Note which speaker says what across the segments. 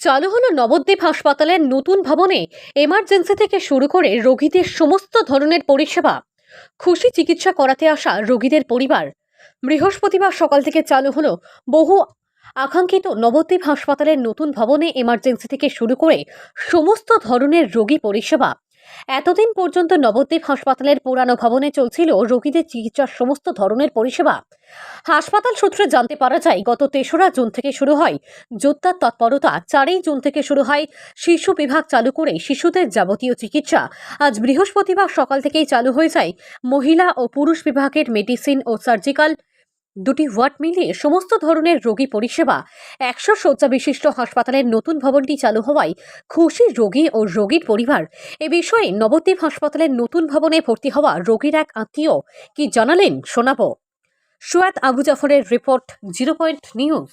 Speaker 1: চালু হলো নবদ্বীপ হাসপাতালের নতুন ভবনে এমার্জেন্সি থেকে শুরু করে রোগীদের সমস্ত ধরনের পরিষেবা। খুশি চিকিৎসা করাতে আসা রোগীদের পরিবার। বৃহস্পতিবার সকাল থেকে চালু হলো বহু আকাঙ্ক্ষিত নবদ্বীপ হাসপাতালের নতুন ভবনে এমার্জেন্সি থেকে শুরু করে সমস্ত ধরনের রোগী পরিষেবা। এতদিন পর্যন্ত নবদ্বীপ হাসপাতালের পুরানো ভবনে চলছিল রোগীদের চিকিৎসার সমস্ত ধরনের পরিষেবা। হাসপাতাল সূত্রে জানতে পারা যায়, গত ৩রা জুন থেকে শুরু হয় যোদ্ধার তৎপরতা। ৪ই জুন থেকে শুরু হয় শিশু বিভাগ চালু করে শিশুদের যাবতীয় চিকিৎসা। আজ বৃহস্পতিবার সকাল থেকেই চালু হয়ে যায় মহিলা ও পুরুষ বিভাগের মেডিসিন ও সার্জিক্যাল দুটি ওয়ার্ড মিলিয়ে সমস্ত ধরনের রোগী পরিষেবা। ১০০ শয্যা বিশিষ্ট হাসপাতালের নতুন ভবনটি চালু হওয়ায় খুশি রোগী ও রোগীর পরিবার। এ বিষয়ে নবদ্বীপ হাসপাতালের নতুন ভবনে ভর্তি হওয়া রোগীর এক আত্মীয় কি জানালেন শোনাবো। সুয়াদ আবু জাফরের রিপোর্ট, 0 পয়েন্ট নিউজ।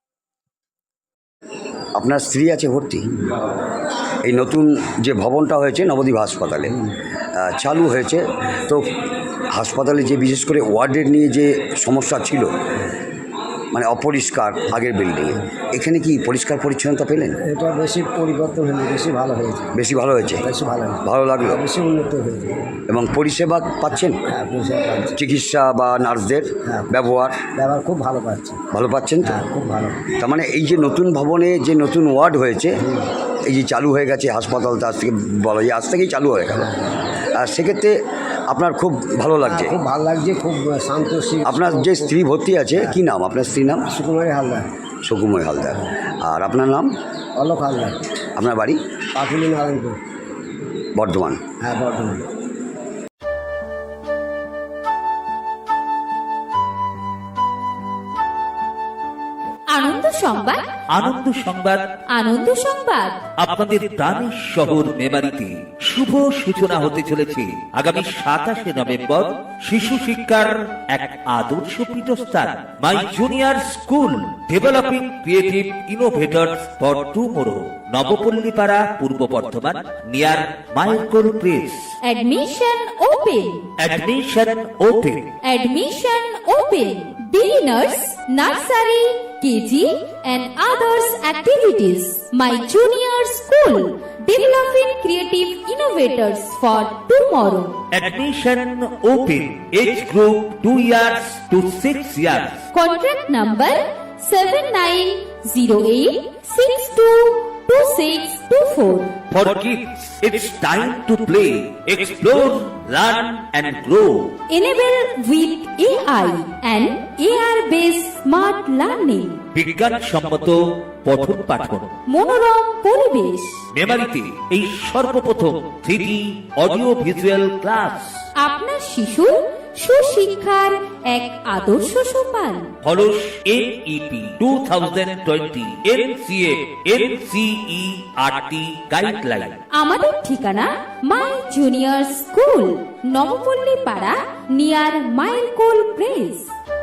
Speaker 2: আপনার স্ত্রী আছে ভর্তি? এই নতুন যে ভবনটা হয়েছে নবদ্বীপ হাসপাতালে চালু হয়েছে, তো হাসপাতালে যে বিশেষ করে ওয়ার্ডের নিয়ে যে সমস্যা ছিল, মানে অপরিষ্কার আগের বিল্ডিংয়ে, এখানে কি পরিষ্কার পরিচ্ছন্নতা পেলেন?
Speaker 3: এটা বেশি পরিবর্তন হয়েছে, বেশি ভালো হয়েছে।
Speaker 2: বেশি ভালো হয়েছে?
Speaker 3: বেশি ভালো হয়েছে,
Speaker 2: ভালো লাগলো,
Speaker 3: বেশি উন্নত হয়েছে।
Speaker 2: এবং পরিষেবা পাচ্ছেন?
Speaker 3: হ্যাঁ, পরিষেবা পাচ্ছি।
Speaker 2: চিকিৎসা বা নার্সদের ব্যবহার
Speaker 3: খুব ভালো পাচ্ছি।
Speaker 2: ভালো পাচ্ছেন তো?
Speaker 3: খুব ভালো।
Speaker 2: তার মানে এই যে নতুন ভবনে যে নতুন ওয়ার্ড হয়েছে, এই যে চালু হয়ে গেছে হাসপাতালটা, আজ থেকে বলা যায় আজ থেকেই চালু হয়ে গেল, আর সেক্ষেত্রে আপনার খুব ভালো লাগছে?
Speaker 3: খুব ভালো লাগছে, খুব শান্ত।
Speaker 2: আপনার যে স্ত্রী ভর্তি আছে, কি নাম আপনার স্ত্রীর নাম?
Speaker 3: সুকুমারী হালদার।
Speaker 2: সুকুময় হালদার। আর আপনার নাম?
Speaker 3: অলোক হালদার।
Speaker 2: আপনার বাড়ি?
Speaker 3: পাটুলি, নারায়ণপুর,
Speaker 2: বর্ধমান।
Speaker 3: হ্যাঁ, বর্ধমান।
Speaker 4: আনন্দ সংবাদ,
Speaker 5: আনন্দ সংবাদ,
Speaker 4: আনন্দ সংবাদ।
Speaker 5: আপনাদের প্রাণের শহর মেমারিতে শুভ সূচনা হতে চলেছে আগামী 27শে নভেম্বর শিশু শিক্ষার এক আদর্শ পীঠস্থান, my junior school developing creative innovators for tomorrow, Nabapallipara, Purba Bardhaman, near মাইলকোল press.
Speaker 4: Admission open.
Speaker 5: Admission open.
Speaker 4: Admission open. Beginners, nursery, KG and others activities. My junior school, developing creative innovators for tomorrow.
Speaker 5: Admission open. Age group 2 years to 6 years.
Speaker 4: Contract number 7908622624.
Speaker 5: For kids, it's time to play, explore, learn and grow.
Speaker 4: Enable with AI and AR-based smart learning.
Speaker 5: বিজ্ঞানসম্মত পঠন পাঠন,
Speaker 4: মনোরম পরিবেশ।
Speaker 5: মেমারিতে এই সর্বপ্রথম 3D audio visual class.
Speaker 4: আপনার শিশু সুশিক্ষার এক আদর্শ সোপান।
Speaker 5: হলস NEP 2020 NCA NCERT গাইডলাইন।
Speaker 4: আমাদের ঠিকানা মাই জুনিয়র স্কুল, নবপল্লী পাড়া, নিয়ার মাইলকোল প্রেস।